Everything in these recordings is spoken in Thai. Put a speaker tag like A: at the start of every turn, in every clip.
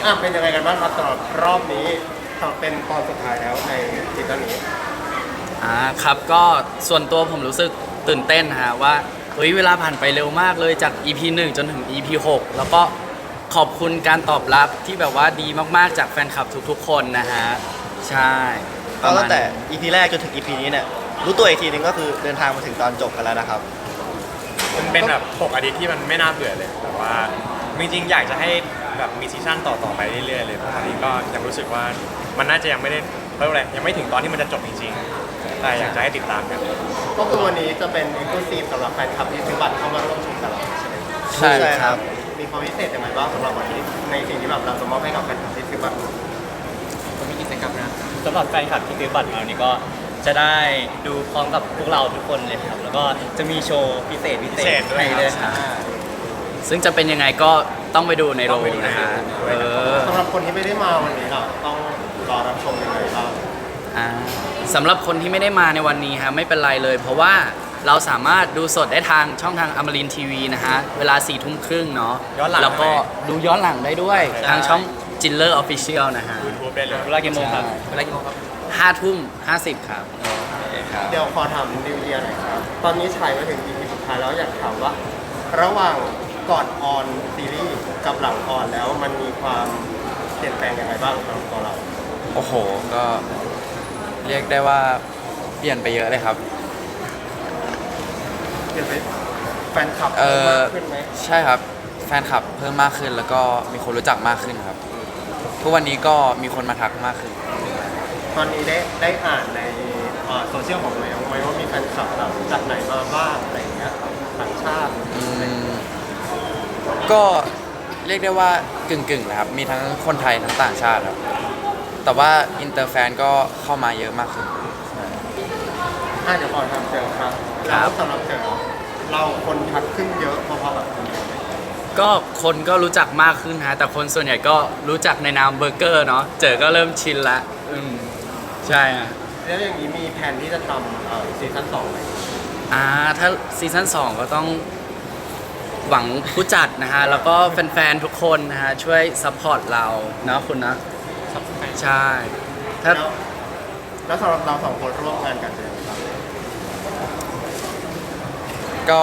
A: เป็นยังไงกันบ้างครับสำหรับรอบนี้เป็นตอนสุดท้ายแล้วในซีซั่นนี้
B: ครับก็ส่วนตัวผมรู้สึกตื่นเต้นฮะว่าเฮ้ยเวลาผ่านไปเร็วมากเลยจาก EP 1จนถึง EP 6แล้วก็ขอบคุณการตอบรับที่แบบว่าดีมากๆจากแฟนคลับทุกๆคนนะฮะใช่
C: ก็ตั้งแต่ EP แรกจนถึง EP นี้เนี่ยรู้ตัวอีกทีนึงก็คือเดินทางมาถึงตอนจบกันแล้วนะครับ
D: มันเป็นแบบ6อาทิตย์ที่มันไม่น่าเบื่อเลยแต่ว่าจริงๆอยากจะให้แบบมีซีซั่นต่อไปเรื่อยๆเลยเพราะตอนนี้ก็ยังรู้สึกว่ามันน่าจะยังไม่ได้เท่าไหร่ยังไม่ถึงตอนที่มันจะจบจริงๆแต่อยากจะให้ติดตามกัน
A: ก็คือวันนี้จะเป็น Exclusive สำหรับแฟนคลับที่ซื้อบัตรเข้ามาร่วมชมกับเราใช่ไหม
B: ใช่ครับ
A: มีความพิเศษยังไงบ้างสำหรับวันนี้ในสิ่งที่แบบเราจะมอบให้กับแฟนคลับที่ซื้อบัตร
E: ผมมีกิจกรรมนะสำหรับแฟนคลับที่ซื้อบัตรมาวันนี้ก็จะได้ดูพร้อมกับพวกเราทุกคนเลยครับแล้วก็จะมีโชว์พิเศษ
D: ด้วย
E: ให้เลย
B: ซึ่งจะเป็นยังไงก็ต้องไปดูในโรงนะฮะ
A: สำหรับคนที่ไม่ได้มาวันนี้ล่ะต้องรอรับชมยังไงบ้าง
B: สำหรับคนที่ไม่ได้มาในวันนี้ฮะไม่เป็นไรเลย เพราะว่าเราสามารถดูสดได้ทางช่องทางอมรินทีวีนะฮะเวลา4 ทุ่มครึ่งเนาะแล้วก็ดูย้อนหลังได้ด้วยทางช่องจินเลอร์ออฟฟิเชียลนะฮะ
D: YouTube ได้เลย
E: เวลากี่โมงครับ
B: 5 ทุ่ม 50ครับ
A: เดี๋ยวขอถามนิวเยียร์หน่อยครับตอนนี้ฉายมาถึง EP สุดท้ายแล้วอยากถามว่าระหว่างก่อนออนซีรีส์กับหลังออนแล้วมันมีความเปลี่ยนแปลงยังไงบ้างสำหรับตัวเรา
F: โอ้โหก็เรียกได้ว่าเปลี่ยนไปเยอะเลยครับ
A: เปลี่ยนไปแฟนคลับเพิ่มมากขึ้นไหม
F: ใช่ครับแฟนคลับเพิ่มมากขึ้นแล้วก็มีคนรู้จักมากขึ้นครับทุกวันนี้ก็มีคนมาทักมากขึ้น
A: ตอนนี้ได้อ่านในโซเชียลของตัวเองไหมว่ามีแฟนคลับแบบจากไหนมาบ้างอะไรอย่างเงี้ยต่างชาติ
F: ก็เรียกได้ว่ากึ่งนะครับมีทั้งคนไทยทั้งต่างชาติครับแต่ว่าอินเตอร์แฟนก็เข้ามาเยอะมากขึ้น
A: เดี๋ยวก่อนทำเจอครับแล้วสำหรับเจอเราคนทักขึ้นเยอะพอๆแบบ
B: ก็คนก็รู้จักมากขึ้นฮะแต่คนส่วนใหญ่ก็รู้จักในนามเบอร์เกอร์เนาะเจอก็เริ่มชินละใช่ฮะ
A: แล้วอย่างนี้มีแผนที่จะทำซีซั่น2ไหม
B: ถ้าซีซั่น2ก็ต้องหวังผู้จัดนะฮะแล้วก็แฟนๆทุกคนนะฮะช่วยซัพพอร์ตเราเนาะคุณนะใช่ถ้า
A: แล้วสำหรับเรา2 คนร่วมงานกันเป็นยังไงบ้าง
F: ก็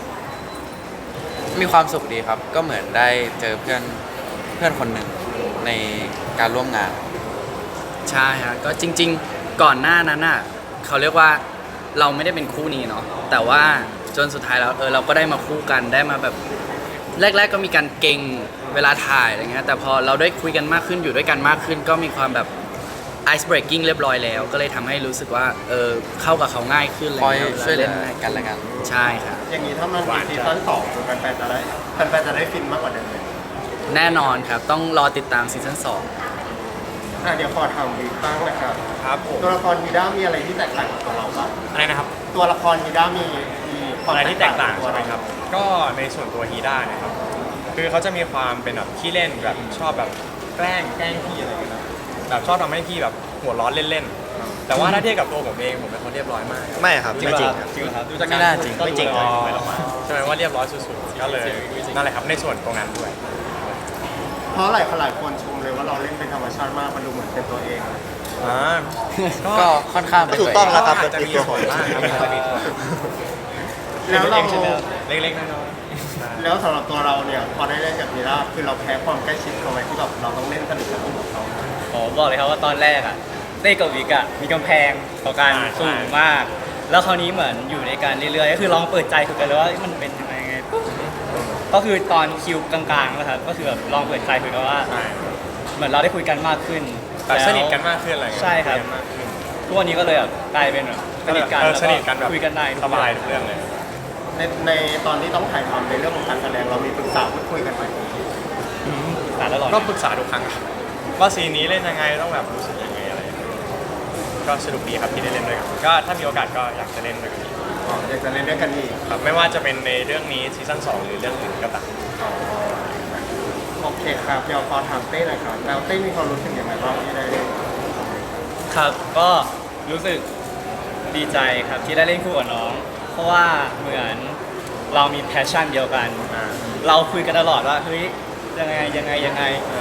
F: มีความสุขดีครับก็เหมือนได้เจอเพื่อนคนหนึ่งในการร่วมงาน
B: ใช่ฮะก็จริงๆก่อนหน้านั้นน่ะเขาเรียกว่าเราไม่ได้เป็นคู่นี้เนาะแต่ว่าจนสุดท้ายแล้วเราก็ได้มาคู่กันได้มาแบบแรกๆก็มีการเก่งเวลาถ่ายอะไรเงี้ยแต่พอเราได้คุยกันมากขึ้นอยู่ด้วยกันมากขึ้นก็มีความแบบ ice breaking เรียบร้อยแล้วก็เลยทำให้รู้สึกว่าเข้ากับเขาง่ายขึ้นเลย
F: ช่วยเหลือกันและกัน
B: ใช่ครับ
A: อย่างนี้ถ้ามันมีซีซั่น2แฟนๆจะได้ฟินมากกว่าเดิมเลย
B: แน่นอนครับต้องรอติดตามซีซั่น
A: 2เดี๋ยวขอถามวีบ้างนะครับ
D: ครับผม
A: ตัวละครฮีด้ามีอะไรที่แตกต่างกับตัวเราบ้าง
D: อะไรนะครับ
A: ตัวละครฮีด้ามี
D: อะไรที่แตกต่างใช่ไหมครับก็ในส่วนตัวฮีด้าเนี่ยครับคือเขาจะมีความเป็นแบบขี้เล่นแบบชอบแบบแกล้งพี่อะไรอย่างเงี้ยแบบชอบทำให้พี่แบบหัวร้อนเล่นๆแต่ว่าถ้าเทียบกับตัวผมเองผมเป็นคนเรียบร้อยมาก
C: ไม่ครับไม่จริงครับ
D: ดูจากการจริงไม่จริงใช่ไหมว่าเรียบร้อยสุดๆก็เลยนั่นแหละครับในส่วนตรงนั้นด้วย
A: เพราะหลายคนชมเลยว่าเราเล่นเป็นธรรมชาติมากมันดูเหมือนเป็นตัวเอง
F: ก็ค่อนข้าง
C: ถูกต้องแล้วครับ
D: จะมีผลมากครับ
A: แล้วเรา
D: เล็กๆน้อย
A: ๆแล้วสำหรับตัวเราเนี่ยพอได้เล่นกับฮีด้าคือเราแพ้ความใกล้ชิดเขาไหมที่แบบเราต้องเล่นสนิทกับเขา
E: บอกเลยครับว่าตอนแรกเต้กับวิกมีกำแพงต่อการสูงมากแล้วคราวนี้เหมือนอยู่ในการเรื่อยๆก็คือลองเปิดใจคุยกันเลยว่ามันเป็นยังไงก็คือตอนคิวกลางๆนะครับก็คือแบบลองเปิดใจคุยกันว่าเหมือนเราได้คุยกันมากขึ้น
D: สนิทกันมากขึ้นอะไร
E: ใช่ครับทุกวันนี้ก็เลยแบบกลายเป็นแบบสนิทกันแบบคุยกันได้
D: สบายทุกเรื่องเลย
A: ในตอนที่ต้องถ่ายทำในเรื่องของการแสดงเรามีปรึกษาพูดคุยกันไหม
D: ก็ปรึกษาทุกครั้งว่าซีนนี้เล่นยังไงต้องแบบรู้สึกยังไงอะไรก็สนุกดีครับที่ได้เล่นด้วยกันก็ถ้ามีโอกาสก็อยากจะเล่นด้วยกัน
A: อยากจะเล่นด้วยกันอีก
D: ครับไม่ว่าจะเป็นในเรื่องนี้ซีซั่น2หรือเรื่องอื่นก็ตาม
A: โอเคครับเดี๋ยวขอถามเต้หน่อยครับแล้วเต้มีความรู้สึกยังไงบ้างที่ได้เล่น
E: ครับก็รู้สึกดีใจครับที่ได้เล่นคู่กับน้องเพราะว่าเหมือนเรามีแพชชั่นเดียวกันเราคุยกันตลอดว่าเฮ้ยยังไง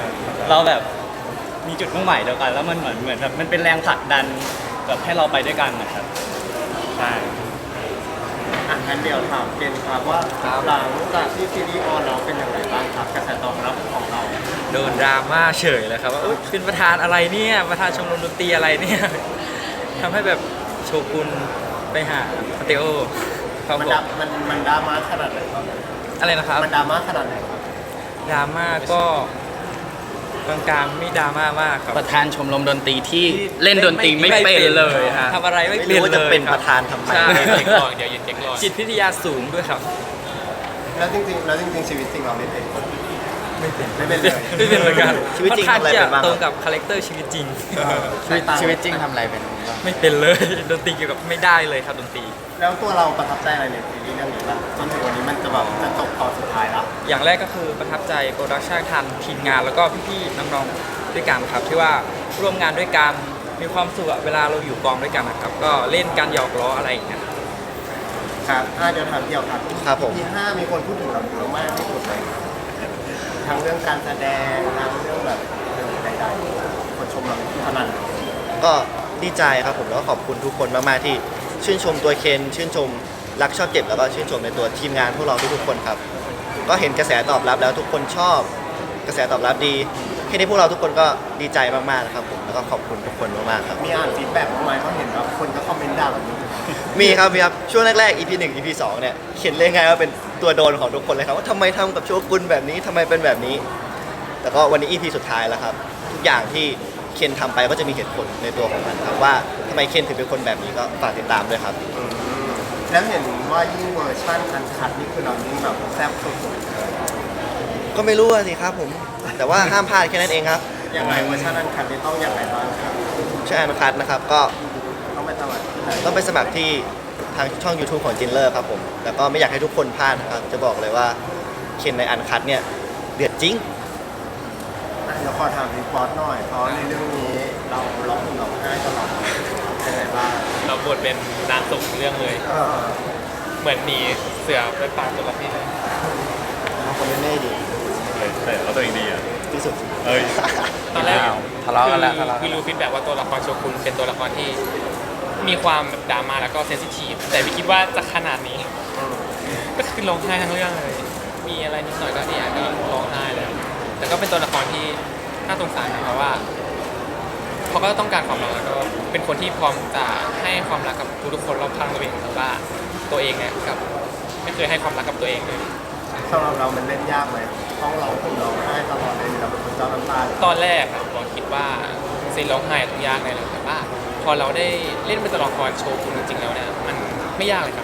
E: เราแบบมีจุดมุ่งหมายเดียวกัน แล้วมันเหมือนแบบมันเป็นแรงผลักดันแบบให้เราไปด้วยกันนะครับ
D: ใช่
A: อ่ะงั้นเดี๋ยวถามเกณฑ์ครับว่าหลังจากที่ซีรีส์ออนแล้วเป็นยังไงบ้างครับกระแสตอบรับของเรา
G: โดนดราม่าเฉยเลยครับว่าอุ๊ยเป็นประธานอะไรเนี่ยประธานชมรมดนตรีอะไรเนี่ย ทำให้แบบโชกุนไปหามาเตโอครับ
A: มัน
G: ผม
A: มันดราม่าขนาดไหนครับ
G: อะไรนะครับ
A: มันดราม่าขนาดไหนครับ
G: ดราม่าก็กลางๆไม่ดราม่ามากครับ
B: ประธานชมรมดนตรีที่เล่นดนตรีไม่เป็นเลยฮะ
G: ทำอะไรไม่
C: ไม่
G: เป็น
C: รู้ว่า
G: เล
C: จะ
G: ย
C: เป็น
G: ค
C: ป
G: รับ
C: ระธานทำไม
G: ใช่
D: เด็กก่อนเดี๋ยวยืนเด็กก่อน
G: จิตวิทยาสูงด้วยครับ
A: แล้วจริงๆชีวิตจริงเราเล่นเองไม่เป็นเลย
G: ไม่เป็นเหมือนกัน
C: ชีวิตจริง
G: ค่อน
C: ทำอะไร
G: ข้าง
C: เป็นบ้าง
G: จะตรงกับคาแรคเตอร์ชีวิตจริง
B: ชีวิตจริงทำอะไรเป็นบ้าง
G: ไม่เป็นเลยดนตรีเกี่ยวกับไม่ได้เลยครับดนตรี
A: แล้วตัวเราประทับใจอะไรในซีรีส์เรื่องนี้บ้างจนถึงวันนี้มันจะแบบจะจบตอนสุดท้ายแล้ว
G: อย่างแรกก็คือประทับใจโปรดักชันทันทีมงานแล้วก็พี่ๆน้องๆด้วยกันครับที่ว่าร่วมงานด้วยกันมีความสุขอะเวลาเราอยู่กองด้วยกันนะครับก็เล่นกันหยอกล้ออะไรอย่างเงี้ย
A: ครับเดี๋ยวถามเดี่ยวครับ
C: ครับผม
A: ที่5มีคนพูดถึงเราเยอะมากที่สุดเลยทั้งเรื่องการแสดงทั้งเรื่องแบบใดๆคนชมเราขนาดไหน
C: ก็ดีใจครับผมแล้วก็ขอบคุณทุกคนมากๆที่ชื่นชมตัวเคนชื่นชมรักชอบเจ็บแล้วก็ชื่นชมในตัวทีมงานพวกเราทุกๆคนครับก็เห็นกระแสตอบรับแล้วทุกคนชอบกระแสตอบรับดีแค่นี้พวกเราทุกคนก็ดีใจมากๆนะครับผมแล้วก็ขอบคุณทุกคนมากๆครับ
A: มีอ่านฟีดแบ็กบ้างไหมเพราะเห็นว่าคนก็คอมเมนต์ด่าเราเยอะ
C: มีครับช่วงแรกๆ EP 1 EP 2เนี่ยเขียนเลยไงว่าเป็นตัวโดนของทุกคนเลยครับว่าทำไมทำกับโชกุนแบบนี้ทำไมเป็นแบบนี้ แต่ก็วันนี้ EP สุดท้ายแล้วครับทุกอย่างที่เคนทำไปก็จะมีเหตุผลในตัวของมันครับว่าทำไมเคนถึงเป็นคนแบบนี้ก็ฝากติดตามด้วยครับ
A: แล้วเห็นว่ายิ่งเวอร์ชันอันคัดนี่คือเรายิ่งแบบแซ่บสุด
C: ก็ไม่รู้อะสิครับผมแต่ว่าห้ามพลาดแค่นั้นเองครับ
A: ๆยังไงเวอร์ชันอันคัดนี่ต้องอย่างไรบ้างครับ
C: ช่วยอันคัดนะครับก็
A: ต้องไปสมัครที่ไหน
C: ต้องไปสมัครที่ทางช่อง YouTube ของจินเลอร์ครับผมแล้วก็ไม่อยากให้ทุกคนพลาดนะครับจะบอกเลยว่าเคนในอันคัดเนี่ยเดือดจริง
A: เดี๋ยวขอถามรีพอร์ตหน่อยเพราะในเรื่องนี้เราร้องห่มร้องไห้ตลอดยังไงบ้าง
D: เราบทเป็นนางสุกเรื่องเลย เหมือนหนีเสือไปป่าจระเข้เลย
C: เอาคนเล่นๆดี
D: แต่เราตัวเองดีอ่ะ
C: ที่สุด
D: เอ้ยตอนแรก
B: ทะเลาะกันแล้วทะเลาะกัน
D: คือ
B: แล้ว
D: รู้ฟีดแบ็กว่าตัวละครโชกุนเป็นตัวละครที่มีความแบบดราม่าแล้วก็เซนซิทีฟแต่ไม่คิดว่าจะขนาดนี้ ก็คือร้องไห้ทั้งเรื่องเลย มีอะไรนิดหน่อยก็เนี่ยก็ร้องไห้เลยแต่ก็เป็นตัวละครที่น่าสงสารนะเพราะว่าเขาก็ต้องการความรักแล้วก็เป็นคนที่พร้อมจะให้ความรักกับทุกๆคนรอบข้างตัวเองแต่ว่าตัวเองเนี่ยกับไม่เคยให้ความรักกับตัวเองเลย
A: สำหรับเรามันเล่นยากไหมห้องเราผมร้องไห้ตลอดเลยเราเป็นคนเจ้าน้ำตา
D: ตอนแรกอะเราคิดว่าซีนร้องไห้ต้องยากแน่เลยแต่ว่าพอเราได้เล่นเป็นตัวละครโชว์คุณจริงๆแล้วเนี่ยมันไม่ยากเลยครับ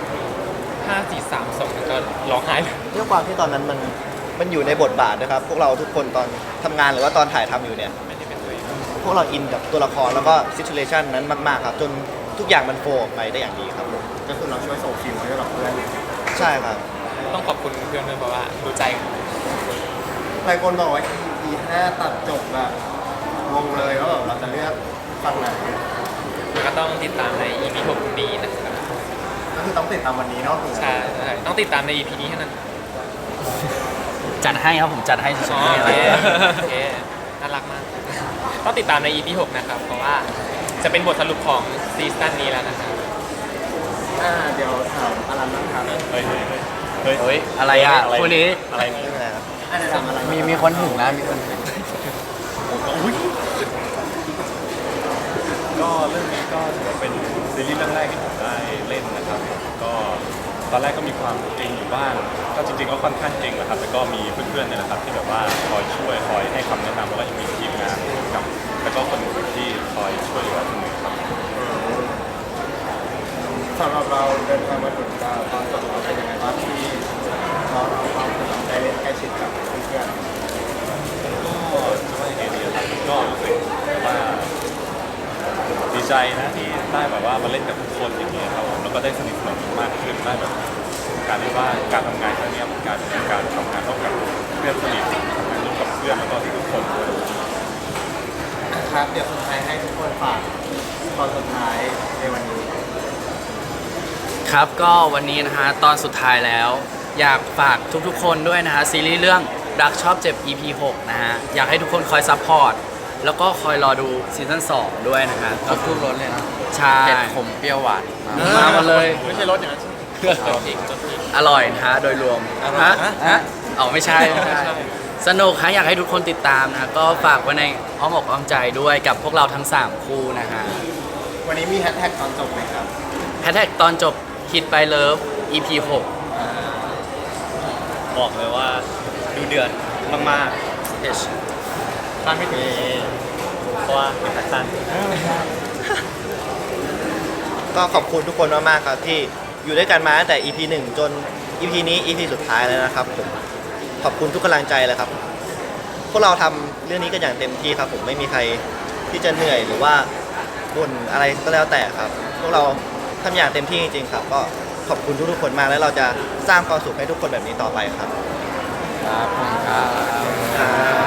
D: 5 4 3 2มันก็ร้องไห้เลย
C: ด้วยความที่ตอนนั้นมันอยู่ในบทบาทนะครับพวกเราทุกคนตอนทำงานหรือว่าตอนถ่ายทำอยู่เนี่ย
D: ไม่ได้เป็นตัวเอง
C: พวกเราอินกับตัวละครแล้วก็ซิทูเ t ชันนั้นมากๆครับจนทุกอย่างมันโฟล์ออกไปได้อย่างดีครับผม
A: ก็คือเราช่วยส่งฟิลให้กับเพื่อน
C: ใช่ครับ
D: ต้องขอบคุณเพื่อนด้วยเพราะว่ารู้ใจกัน
A: หลายคนบอกว่า EP 5ตัดจบแบบงงเลยว่าแบบเราจะเลือกฝั่งไหน
D: มันก็ต้องติดตามใน EP 6นี้นะครับ
A: ก็คือต้องติดตามวันนี้เนาะ
D: ใช่ต้องติดตามใน EP นี้เท่านั้น
B: จัดให้ครับผมจัดให้สุด
D: อ๋อ
B: ๆ
D: โอ
B: เล
D: เค
B: ย
D: โอเคน่ารักมาก ต้องติดตามใน EP 6นะครับเพราะว่าจะเป็นบทสรุปของซีซั่นนี้แล้วนะครับ
A: เดี๋ยวถามอารันนะครับ
D: เฮ้ย
B: เฮ้ยอะไรอ่ะคู่นี้
D: อะไรนี่
C: ไม่เป็นไรครับ
A: อันนี้ถามอารัน
B: มีคนถึงนะมีคนถึง
H: ก็เรื่องนี้ก็ถือว่าเป็นซีรีส์เรื่องแรกที่ผมได้เล่นนะครับก็ตอนแรกก็มีความเกรงอยู่บ้างก็จริงๆก็ค่อนข้างเกรงแหละครับแต่ก็มีเพื่อนๆเนี่ยนะครับที่แบบว่าคอยช่วยคอยให้คำแนะนำแล้วก็ยังมีทีมงานกับแล้วก็คนอื่นที่คอยช่วยเหลือเสมอครับ
A: สำหรับเราเดินทางมาถึงตอนจบเราเป็นยังไงบ้างที่เราได้เล่นใกล้ชิดกับเพื่อน
H: ก็จะว่ายังไงดีครับก็รู้สึกว่าดีใจนะที่ได้แบบว่ามาเล่นกับทุกคนอย่างเงี้ยครับผมแล้วก็ได้สนิทสนมกันมากขึ้นได้แบบการที่ว่าการทำงานครั้งเนี้ยมันกลายเป็นการทำงานร่วมกับเพื่อนสนิททำงานร่วมกับเพื่อนแล้วก็ทุกคนด้วย
A: ๆครับเดี๋ยวสุดท้ายให้ทุกคนฝากตอนสุดท้ายในวันนี้
B: ครับก็วันนี้นะฮะตอนสุดท้ายแล้ว อยากฝากทุกๆคนด้วยนะฮะซีรีส์เรื่องรักชอบเจ็บ EP 6 นะฮะ อยากให้ทุกคนคอยซัพพอร์ต แล้วก็คอยรอดูซีซั่น2 ด้วยนะฮะ
F: ครบทุกรสเลยนะ
B: ใช่
F: เผ็ดขมเปรี้ยวหวานมา
B: มาหมดเลย
A: ไม่ใช่รถอย่างนั้น
B: อร่อยนะฮะ โดยรวมฮะเอาไม่ใช่ไม่ใช่ สนุกฮะอยากให้ทุกคนติดตามนะ ก็ฝากไว้ในอ้อมอกอ้อมใจด้วยกับพวกเราทั้ง 3 คู่นะฮะ
A: วันนี้มีแฮชแท็กตอนจบไหมครับ
B: แฮชแท็กตอนจบ Hit by Love EP 6
E: บอกเลยว่าดูเดือดมาก
B: H
E: ๆคาดไม่ถึงเพราะว่าเป็นแฟชั่น
C: ก็ขอบคุณทุกคนมากๆครับที่อยู่ด้วยกันมาตั้งแต่ EP 1 จน EP นี้ EP สุดท้ายแล้วนะครับผมขอบคุณทุกกำลังใจเลยครับ พวกเราทำเรื่องนี้กันอย่างเต็มที่ครับผมไม่มีใครที่จะเหนื่อยหรือว่าบ่นอะไรก็แล้วแต่ครับ พวกเราทำอย่างเต็มที่จริงๆครับ ก็ขอบคุณทุกๆคนมากแล้วเราจะสร้างความสุขให้ทุกคนแบบนี้ต่อไปครับ
F: ครับผมครับ
C: ครับ